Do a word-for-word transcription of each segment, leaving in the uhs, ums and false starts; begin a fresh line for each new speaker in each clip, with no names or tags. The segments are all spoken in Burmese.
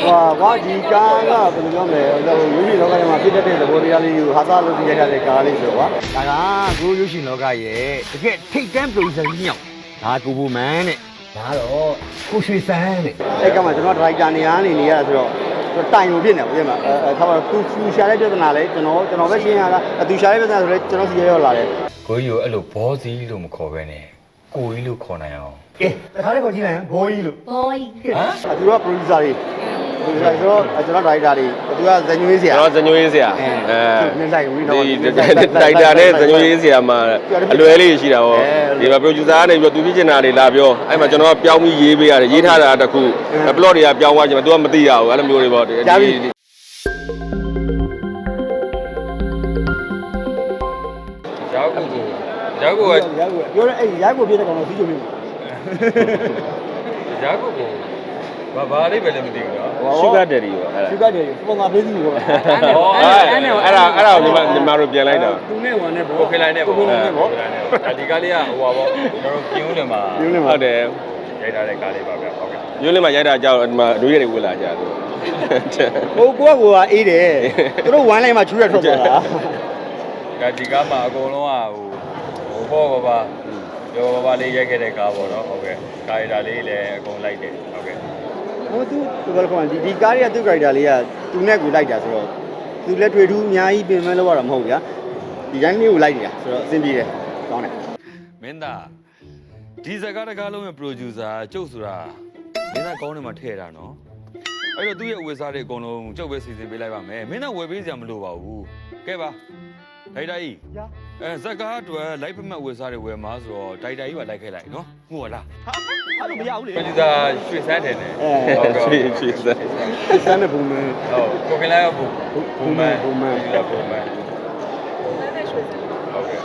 ကွာဒီကားကဘယ်လိုပြောမလဲဟိုရုပ်ရှင်လောကထဲမှာဖြစ်တတ်တဲ့သဘောတရားလေးကိုဟာသလုပ်ပြရတဲ့ကားလေးဆိုတော့ကွာဒါကကိုရုပ်ရှင်လောကရဲ့တကယ်ထိတ်တန့်ပရိုဂျက်ကြီးမြောက်ဒါကိုဘူမန်တဲ့ဒါတော့ကိုရွှေစန်းတဲ့အဲ့ကမှကျွန်တော်ဒရိုက်တာနေရာနေနေရတာဆိုတော့တိုင်ကိုဖြစ်နေပါဦးမှာအဲထားပါတော့သူသူရှာတဲ့ပြဿနာလဲကျွန်တော်ကျွန်တော်ပဲရှင်းရတာသူရှာတဲ့ပြဿနာဆိုလဲကျွန်တော်စီရောက်လာတယ်
ကိုကြီးကိုအဲ့လိုဘောစီလို့မခေါ်ပဲနဲ့ကိုကြီးလို့ခေါ်နိုင်အောင်
ကဲတခါလေးခေါ်ကြည့်လိုက်ရင်ဘောကြီးလို့
ဘောကြီး
ဟမ်သူက producer တွေ producer ဆိုတော့ကျွန်တော် director တွေသူကဇညွေးဆရာ
ကျွန်တော်ဇညွေးဆရာ
အဲနင်းလိုက်ဝီတော့
ဒီ director နဲ့ဇညွေးဆရာမှာအလွယ်လေးရှိတာဟောဒီမှာ producer ကနေပြီးတော့သူပြချင်တာတွေလာပြောအဲ့မှာကျွန်တော်ကပြောင်းပြီးရေးပေးရတယ်ရေးထားတာတခု plot တွေကပြောင်းသွားချင်မှာ तू ကမသိရဘူးအဲ့လိုမျိုးတွေပေါ့ဒီ
ရောက်ကိုရောက်ကို
ရောက်ကိုပြောရဲအဲ့ရောက်ကိုပြတဲ့ကောင်တော့ပြီးကြပြီ
ရောက်ကိုကိုဘာဘာလေးပဲလည်းမသိဘူးနော်
Sugar Daddy ပေါ့အဲ့ဒါ
Sugar Daddy စပွန်ဆာပေးစီပေါ့အဲ့
ဒါအဲ့ဒါအဲ့ဒါကိုညီမတို့ပြန်လိုက်တာ
သူနဲ့ဝန်နဲ့ပေါ့
ကိုခေလိုက်နဲ့ပေါ့ကိုခေလိုက်နဲ့ပေါ့ဒါဒီကားလေးကဟိုပါပေါ့ကျွန်တော်တို့ပြင်းဦးတယ်မှာ
ဟုတ်တယ်
ရိုက်ထားတဲ့ကားလေးပါဗျဟုတ်ကဲ့
ပြင်းဦးမှာရိုက်တာကြောက်ဒီမှာဒွေးတွေဝင်လာကြတယ်
ဟိုကိုကကိုကအေးတယ်သူတို့ဝမ်းလိုက်မှချူရထွက်သွားတာ
ဒါဒီကားမှာအကုန်လုံးကဟိုဟိုဘောပါရောဘာဘာလေးရိုက်ခဲ့တဲ့ကားပေါ့နော်ဟုတ်ကဲ့ကာရီတာလေးလည်းအကုန်လိုက်တယ်ဟုတ်ကဲ့
ဟိုသူသူကလည်းဒီဒီကားရဲ့သူကာရီတာလေးကသူနဲ့ကိုလိုက်တာဆိုတော့သူလက်ထွေထူးအများကြီးပြင်မဲ့လို့ရတာမဟုတ်ဗျာဒီတိုင်းလေးကိုလိုက်နေတာဆိုတော့အဆင်ပြေတယ်ကောင်းတယ်
မင်းသားဒီစကားတကားလုံးရဲ့ producer ကျုပ်ဆိုတာမင်းသားကောင်းတယ်မှာထည့်တာနော်အဲ့တော့သူ့ရဲ့ဝယ်စားတွေအကုန်လုံးကျုပ်ပဲစီစဉ်ပေးလိုက်ပါမယ်မင်းသားဝယ်ပေးစရာမလိုပါဘူးကဲပါဒိုက်တာကြီးအဲစကားအတွက်လိုက်ပမတ်ဝယ်စားတွေဝယ်မှာဆိုတော့ဒိုက်တာကြီးပါလိုက်ခဲ့လိုက်နော်ဟုတ်လား
အဲ့လိုမရဘူးလေ
producer ရွှေစန်းတယ်နဲ့
ဟုတ်ကဲ့ရွှေစန်း
ရွှေစန်းနဲ့ဘူမန်
ဟုတ်ကိုကလည်းဘူဘူမန်
ဘူမန်
ဒီကဘူမန်ဟုတ်ကဲ့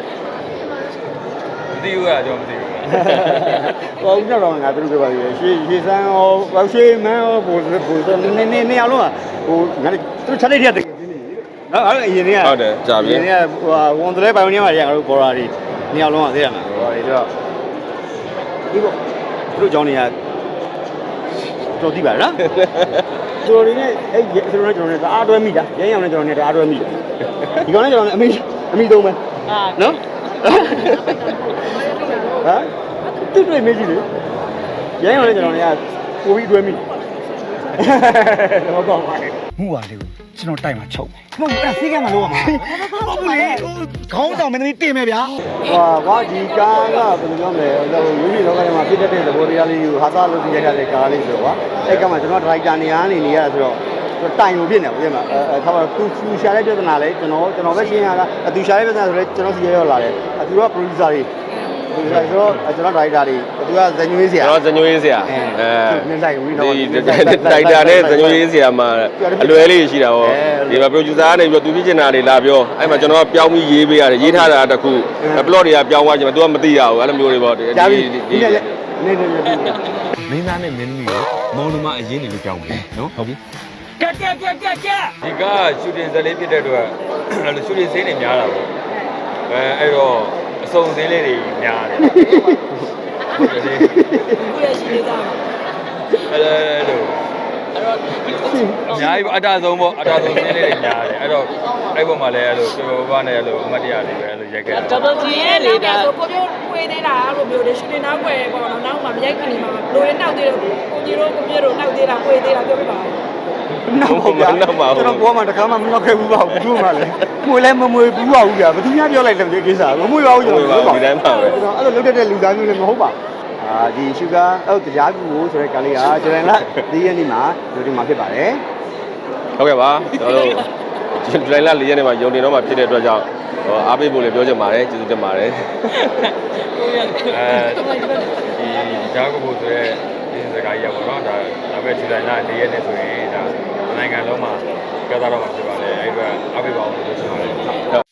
ဒီဦးကကျွန်တော်မသိဘူး
ဟိုဦးတော့ငါတို့ပြောပါသေးတယ်ရွှေရွှေစန်းရောရွှေမန်းရောဘူဘူနည်းနည်းနည်းအောင်လုံးဟိုငါတို့ချက်လိုက်တဲ့နော်အဲ့အရင်က
ဟုတ်တယ်ကြာပြီ
အရင်ကဟိုဝန်တလဲပိုင်ဝင်နေမှာရငါတို့ဘော်ရာတွေနှစ်ယောက်လုံးကသိရမှာဘော်ရာတွေတော့ဒီပေါ့တို့ကြောင်းတွေကတော်သိပါလားတို့တွေနဲ့အဲ့ကျွန်တော်နဲ့ကျွန်တော်နဲ့တအားတွဲမိတာရဲရောင်နဲ့ကျွန်တော်နဲ့တအားတွဲမိတယ်ဒီကောင်နဲ့ကျွန်တော်နဲ့အမေအမိသုံးမယ်နော်ဟမ်တူတွေ့မေးကြည့်လေရဲရောင်နဲ့ကျွန်တော်နဲ့ကပိုပြီးတွဲမိတော့ကောင်းပါလေမှုပါလေကျွန်တော်တိုက်မှာချုပ်မယ်ဟုတ်အဲ့ဆေးကမှလို့ရမှာဟုတ်ဘူးလေခေါင်းဆောင်မင်းသမီးတင်မယ်ဗျာဟွာကွာဒီကားကဘယ်လိုပြောမလဲဟိုရုပ်ရှင်လောကထဲမှာဖြစ်တတ်တဲ့သဘောတရားလေးကိုဟာသလုပ်ပြရတဲ့ကားလေးဆိုတော့ကွာအဲ့ကမှကျွန်တော်ဒရိုက်တာနေရာနေနေရတာဆိုတော့တိုင်ကိုဖြစ်နေပါဦးမှာအဲထားပါတော့သူသူရှာတဲ့ပြဿနာလဲကျွန်တော်ကျွန်တော်ပဲရှင်းရတာသူရှာတဲ့ပြဿနာဆိုလဲကျွန်တော်စီရောက်လာတယ်သူက producer တွေဆိုတော့ကျွန်တော် director တွေသူကဇညွေးဆရာ
ကျွန်တော်ဇညွေးဆရာအဲ
နင်းလိုက်ဝီတော့
ဒီ director နဲ့ဇညွေးဆရာမှာအလွယ်လေးရှိတာဟောဒီမှာ producer ကနေပြီးတော့သူပြချင်တာတွေလာပြောအဲ့မှာကျွန်တော်ကပြောင်းပြီးရေးပေးရတယ်ရေးထားတာတခု plot တွေကပြောင်းသွားချင်မှာ तू ကမသိရဘူးအဲ့လိုမျိုးတွေပေါ့ဒီ
ဒီနေနေနေ
မင်းသားနဲ့မင်းသမီးကိုမောင်နှမအရင်နေလို့ကြောင်းပြီနော်ဟုတ်ပြီကက်ကက်ကက်ကက်ကဒီကရှူတင်ဇာတ်လေးဖြစ်တဲ့အတွက်အဲ့လိုရှူတင်စင်းတွေများတာပေါ့အဲအဲ့တော့အစုံစင်းလေးတွေများတယ်ဟုတ်တယ်လေ
ခုရရှိနေတာ
အဲ့လိုအဲ့တော့အများကြီးအတားဆုံးပေါ့အတားဆုံးစင်းလေးတွေများတယ်အဲ့တော့အဲ့ပေါ်မှာလည်းအဲ့လိုပြောပြောပါနဲ့အဲ့လိုအမတ်တရားလေးပဲအဲ့လိုရိုက်ခဲ့တာ
တော်တော်ကြီးရဲ့လေဒါဆိုကိုပြောဝေးနေတာအဲ့လိုမျိုးလေရှူတင်နောက်ွယ်ပေါ့နော်နောက်မှမရိုက်ခင်နေမှာလိုရင်းနောက်သေးတယ်ကိုကြီးတို့ကိုပြတို့နောက်သေးတာဝေးသေးတာပြောပြပါ
နောက်ပါဗျာကျွန်တော်ဘောမှာတခါမှမနောက်ခဲ့ဘူးပါဘူးမှလည်းမွေလဲမမွေဘူးပါဘူးဗျာဘယ်သူများပြောလိုက်တယ်ဒီကိစ္စမမွေပါဘူးကျွန်တော်
ဒီတိုင်းပါပဲ
ကျွန်တော်အဲ့လိုလုပ်တဲ့လူသားမျိုးလည်းမဟုတ်ပါအာဒီ sugar အော်တရားကူကိုဆိုတဲ့ကလေးကကျွန်တော်ကဒီရက်နေ့မှာဒီမှာဖြစ်ပါတယ်
ဟုတ်ကဲ့ပါကျွန်တော်တို့ဒီလိုင်းလာ၄ရက်နေ့မှာယုံနေတော့မှဖြစ်တဲ့အတွက်ကြောင့်ဟောအားပေးဖို့လည်းပြောချင်ပါတယ်ကျေးဇူးတင်ပါတယ်
အဲဒီကြားကိုဆိုရဲဒီစကားကြီးရပါတော့ဒါဒါပဲဒီလိုင်းလာ၄ရက်နေ့ဆိုရင်ဒါနိုင်ငံလုံးမှာကြောက်တော့မှာဖြစ်ပါလေအဲ့အတွက်အားပေးပါအောင်လို့ပြောချင်ပါတယ်ဟုတ်